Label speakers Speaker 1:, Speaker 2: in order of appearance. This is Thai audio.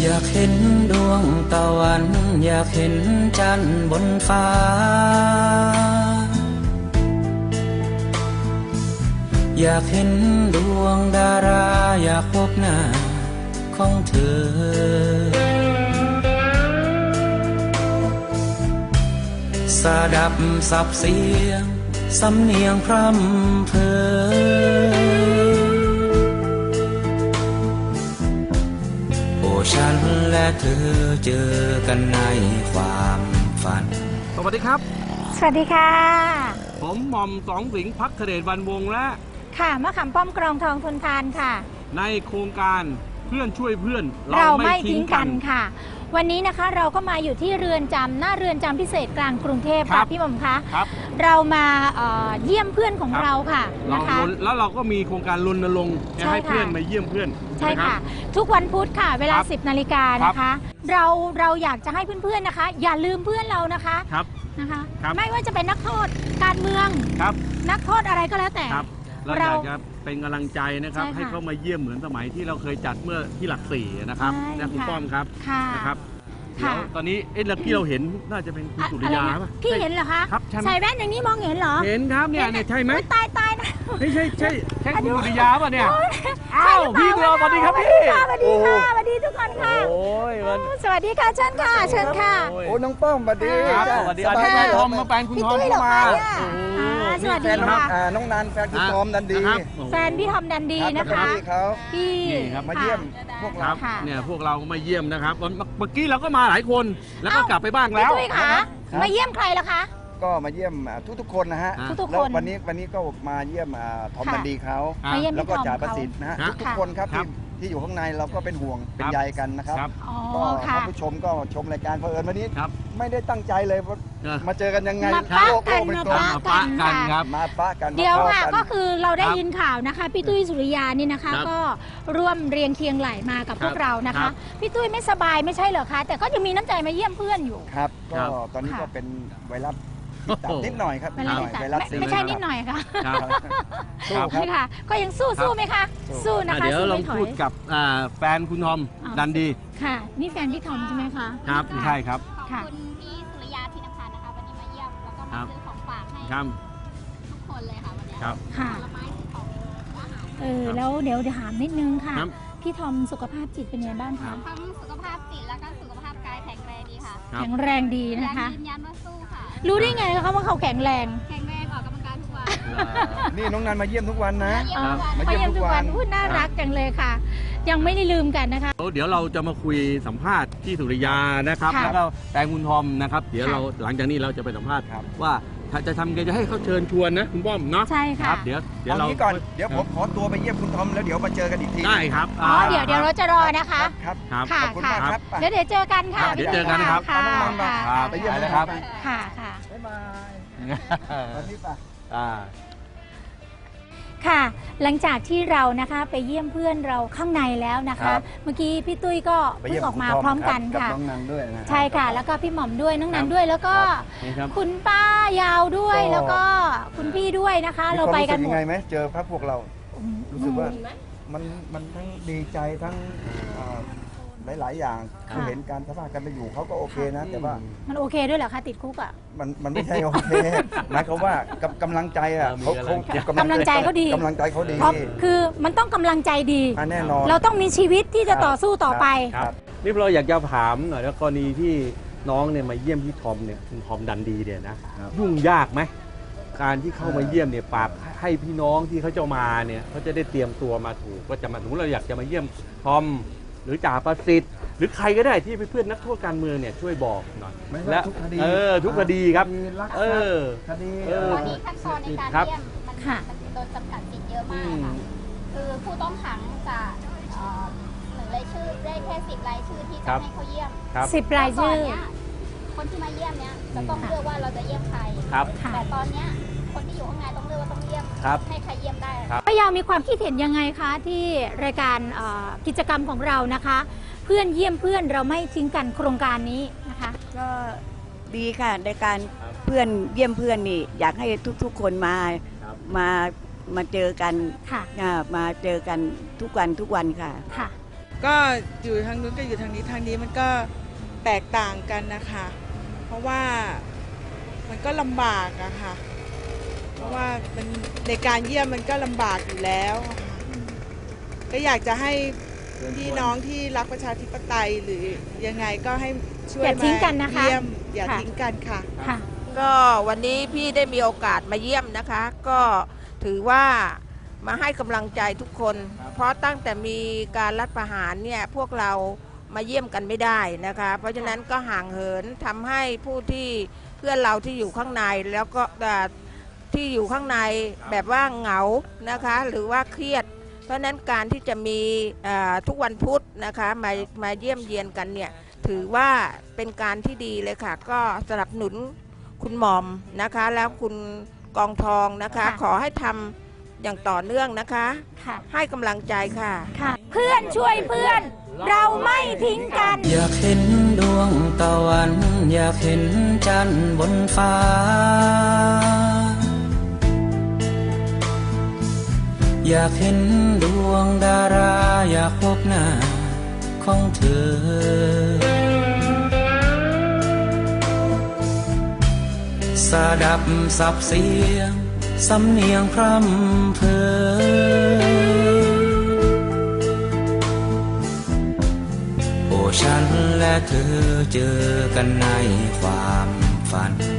Speaker 1: อยากเห็นดวงตะวันอยากเห็นจันทร์บนฟ้าอยากเห็นดวงดาราอยากพบหน้าของเธอสดับสับเสียงสำเนียงพร่ำเพอโอ้ฉันและเธอเจอกันในความฝัน
Speaker 2: สวัสดีครับ
Speaker 3: สวัสดีค่ะ
Speaker 2: ผมหม่อมสองสิงห์ภักเดชวรรณวงศ์และ
Speaker 3: ค่ะมะขามป้อมกรองทองทนทานค่ะ
Speaker 2: ในโครงการเพื่อนช่วยเพื่อน
Speaker 3: เราไม่ทิ้งกันค่ะวันนี้นะคะเราก็มาอยู่ที่เรือนจำหน้าเรือนจำพิเศษกลางกรุงเทพค่ะพี่หม่อมคะเรามาเยี่ยมเพื่อนของเราค่ะนะคะ
Speaker 2: แล้วเราก็มีโครงการรณรงค์ให้เพื่อนมาเยี่ยมเพื่อน
Speaker 3: ใช่ค่ะทุกวันพุธค่ะเวลา 10 นาฬิกานะคะเราอยากจะให้เพื่อนๆนะคะอย่าลืมเพื่อนเรานะคะนะคะไม่ว่าจะเป็นนักโทษการเมืองนักโทษอะไรก็แล้วแต่
Speaker 2: เราอยากจะเป็นกำลังใจนะครับให้เขามาเยี่ยมเหมือนสมัยที่เราเคยจัดเมื่อที่หลักสี่นะครับนะคุณป้อมครับนะครับเดี๋ยวตอนนี้ที่เราเห็นน่าจะเป็นคุณสุริยาป่ะ
Speaker 3: พี่เห็นเหรอคะใส่แว่นอย่างนี้มองเห็นเหรอ
Speaker 2: เห็นครับเนี่ยใช่ไหม
Speaker 3: ตายนะ
Speaker 2: ใช่คุณสุริยาป่ะเนี่ยอ้าวพี่เราสวัสดีครับพี่
Speaker 3: สวัสดีค่ะสวัสดีทุกคนค่ะสวัสดีค่ะเชิญค่ะเชิญค่ะ
Speaker 4: โอ้น้องป้อมสวัสดี
Speaker 2: สวัสดีอาจารย์ทอมมาแฟนคุณทอมมา
Speaker 3: สวัสดีค่ะ
Speaker 4: น้องนันแฟนคุณทอมดันดี
Speaker 3: แฟนพี่ทอมดันดีนะคะ
Speaker 4: พี่มาเยี่ยมพวกเรา
Speaker 2: เนี่ยพวกเรามาเยี่ยมนะครับเมื่อกี้เราก็มาหลายคนแล้วก็กลับไปบ้างแล้ว
Speaker 3: พี่ค่ะมาเยี่ยมใครล่ะคะ
Speaker 4: ก็มาเยี่ยมทุกคนนะฮะแล้ววันนี้ก็มาเยี่ยมทอมดันดีเขาแล้วก็จ่าประสิทธิ์นะฮะทุกคนครับที่อยู่ข้างในเราก็เป็นห่วงเป็นใยกันนะครับก็ท่านผู้ชมก็ชมรายการเผอิญวันนี้ไม่ได้ตั้งใจเลยมาเจอกันยังไง
Speaker 3: มาปะกัน
Speaker 2: ครับ
Speaker 4: มาปะกัน
Speaker 3: เดี๋ยวค่ะก็คือเราได้ยินข่าวนะคะพี่ตุ้ยสุริยานี่นะคะก็ร่วมเรียงเคียงไหลมากับพวกเรานะคะพี่ตุ้ยไม่สบายไม่ใช่เหรอคะแต่ก็ยังมีน้ำใจมาเยี่ยมเพื่อนอยู่
Speaker 4: ครับก็ตอนนี้ก็เป็นไวรัสนิดหน่อยครับไวรัส
Speaker 3: ไม่ใช่นิดหน่อยค่ะสู้ค่ะก็ยังสู้ไหมคะสู้นะคะ
Speaker 2: เดี๋ยวเราพูดกับแฟนคุณทอมดันดี
Speaker 3: ค่ะนี่แฟนพี่ทอมใช่ไหมคะ
Speaker 2: ครับใช่ครับ
Speaker 5: ค่ะคุณพี่สุริยาที่นภานะคะวันนี้มาเยี่ยมแล้วก็มาซื้อของฝากให้ทุกคนเลยค่ะวันนี้ค่ะผลไม้ของอาหาร
Speaker 3: แล้วเดี๋ยวถามนิดนึงค่ะพี่ทอมสุขภาพจิตเป็นไงบ้างคะ
Speaker 5: ทั้งสุขภาพจิตแล้วก็สุขภาพกายแข็งแรงดีค่ะ
Speaker 3: แข็งแรงดีนะคะ
Speaker 5: ยืนยันว่าสู้ค่ะ
Speaker 3: รู้ได้ไงคะว่าเขาแข็งแรง
Speaker 5: ออกกำลังกายทุกวัน
Speaker 4: นี่น้องนันมาเยี่ยมทุกวันนะ
Speaker 3: มาเยี่ยมทุกวันพูดน่ารักจังเลยค่ะยังไม่ได้ลืมกันนะคะ
Speaker 2: เดี๋ยวเราจะมาคุยสัมภาษณ์ที่สุริยานะครับแล้วก็แฟนคุณทอมนะครับเดี๋ยวเราหลังจากนี้เราจะไปสัมภาษณ์ว่าจะทำไงจะให้เขาเชิญชวนนะคุณป้อมเนาะ
Speaker 3: ใช่ค่ะ
Speaker 2: เดี๋ยว
Speaker 4: เราก่อนเดี๋ยวผมขอตัวไปเยี่ยมคุณทอมแล้วเดี๋ยวมาเจอกันอีกที
Speaker 2: ได้ครับ
Speaker 3: เดี๋ยวเราจะรอนะคะ
Speaker 4: ครับ
Speaker 3: ขอบคุณมากครับเดี๋ยวเจอกันค่ะ
Speaker 2: เดี๋ยวเจอกันนะครับ
Speaker 4: ไปเยี่ยมเลยครับ
Speaker 3: ค่ะ
Speaker 4: บ๊ายบายวันนี้ป่ะ
Speaker 3: ค่ะหลังจากที่เรานะคะไปเยี่ยมเพื่อนเราข้างในแล้วนะคะเมื่อกี้พี่ตุ้ยก็เพิ่งออกมาพร้อมกันค่ะ
Speaker 4: น้องนันด้วยนะ
Speaker 3: ใช่ค่ะแล้วก็พี่หม่อมด้วยน้องนันด้วยแล้วก็คุณป้ายาวด้วยแล้วก็คุณพี่ด้วยนะคะเราไปกันหมด
Speaker 4: ยังไงไหมเจอพระพวกเรารู้สึกว่ามันทั้งดีใจทั้งหลายอย่างคือเห็นการสภาพกันไปอยู่เขาก็โอเคนะแต่ว่า
Speaker 3: มันโอเคด้วยเหรอคะติดคุกอ่ะ
Speaker 4: มันไม่ใช่โอเคหมายความว่ากำลังใจอ่ะเขา
Speaker 3: กำลังใจเขาดี
Speaker 4: กำลังใจเขาดี
Speaker 3: คือมันต้องกำลังใจดี
Speaker 4: แน่นอน
Speaker 3: เราต้องมีชีวิตที่จะต่อสู้ต่อไป
Speaker 2: นี่เราอยากจะถามหน่อยแล้วกรณีที่น้องเนี่ยมาเยี่ยมพี่ทอมเนี่ยคุณทอมดันดีเนี่ยนะยุ่งยากไหมการที่เข้ามาเยี่ยมเนี่ยฝากให้พี่น้องที่เขาจะมาเนี่ยเขาจะได้เตรียมตัวมาถูกว่าจะมาถึงเราอยากจะมาเยี่ยมทอมหรือจ่าประสิทธิ์หรือใครก็ได้ที่เป็นเพื่อนนักโทษการเมืองเนี่ยช่วยบอกหน่อย
Speaker 4: และทุกคดี
Speaker 2: ทุกคดีครับ
Speaker 4: คดี
Speaker 5: ตอนนี้ขั้นตอนในการเยี่ยมมันโดนจำกัดสิทธิ์เยอะมากค่ะคือผู้ต้องขังจะ1 รายชื่อได้แค่10 รายชื่อที่จะให้เขาเยี่ยม
Speaker 3: 10 รายชื่อ
Speaker 5: คนที่มาเยี่ยมเนี้ยจะต้องเลือกว่าเราจะเยี่ยมใครแต่ตอนเนี้ยคนที่อยู่ข้างในต้องเลือกว่าต้องเยี่ยมให้ใครเยี่ยมได้
Speaker 3: ป้ายาวมีความคิดเห็นยังไงคะที่รายการกิจกรรมของเรานะคะเพื่อนเยี่ยมเพื่อนเราไม่ทิ้งกันโครงการนี้นะคะ
Speaker 6: ก็ดีค่ะในการเพื่อนเยี่ยมเพื่อนนี่อยากให้ทุกๆคนมาเจอกันมาเจอกันทุกวันค่ะ
Speaker 7: ก็อยู่ทางนู้นก็อยู่ทางนี้มันก็แตกต่างกันนะคะ เพราะว่ามันก็ลำบากอะค่ะเพราะว่ามันในการเยี่ยมมันก็ลำบากอยู่แล้วก็อยากจะให้พี่น้องที่รักประชาธิปไตยหรือยังไงก็ให้ช่วย
Speaker 3: อย่าทิ้งกัน
Speaker 7: มา
Speaker 3: นะคะ
Speaker 7: เยี่ยมอย่าทิ้งกันค่ะ
Speaker 3: ค่ะ
Speaker 8: ก็วันนี้พี่ได้มีโอกาสมาเยี่ยมนะคะ ก็ถือว่ามาให้กำลังใจทุกคน เพราะตั้งแต่มีการรัฐประหารเนี่ยพวกเรามาเยี่ยมกันไม่ได้นะคะ เพราะฉะนั้นก็ห่างเหินทำให้ผู้ที่เพื่อนเราที่อยู่ข้างในแล้วก็ที่อยู่ข้างในแบบว่าเหงานะคะ หรือว่าเครียด เพราะฉะนั้นการที่จะมีทุกวันพุธนะคะมาเยี่ยมเยียนกันเนี่ยถือว่าเป็นการที่ดีเลยค่ะ ก็สนับสนุนคุณหม่อมนะคะ แล้วคุณกองทองนะคะ ขอให้ทำอย่างต่อเนื่องนะคะ
Speaker 3: ค่ะ
Speaker 8: ให้กำลังใจค่ะ
Speaker 3: ค่ะ เพื่อนช่วยเพื่อน เราไม่ทิ้งกัน
Speaker 1: อยากเห็นดวงตะวัน อยากเห็นจันทร์บนฟ้า อยากเห็นดวงดารา อยากพบหน้าของเธอ สดับสับเสียง สำเนียงพร่ำเพอ โอ้ฉันและเธอเจอกันในความฝัน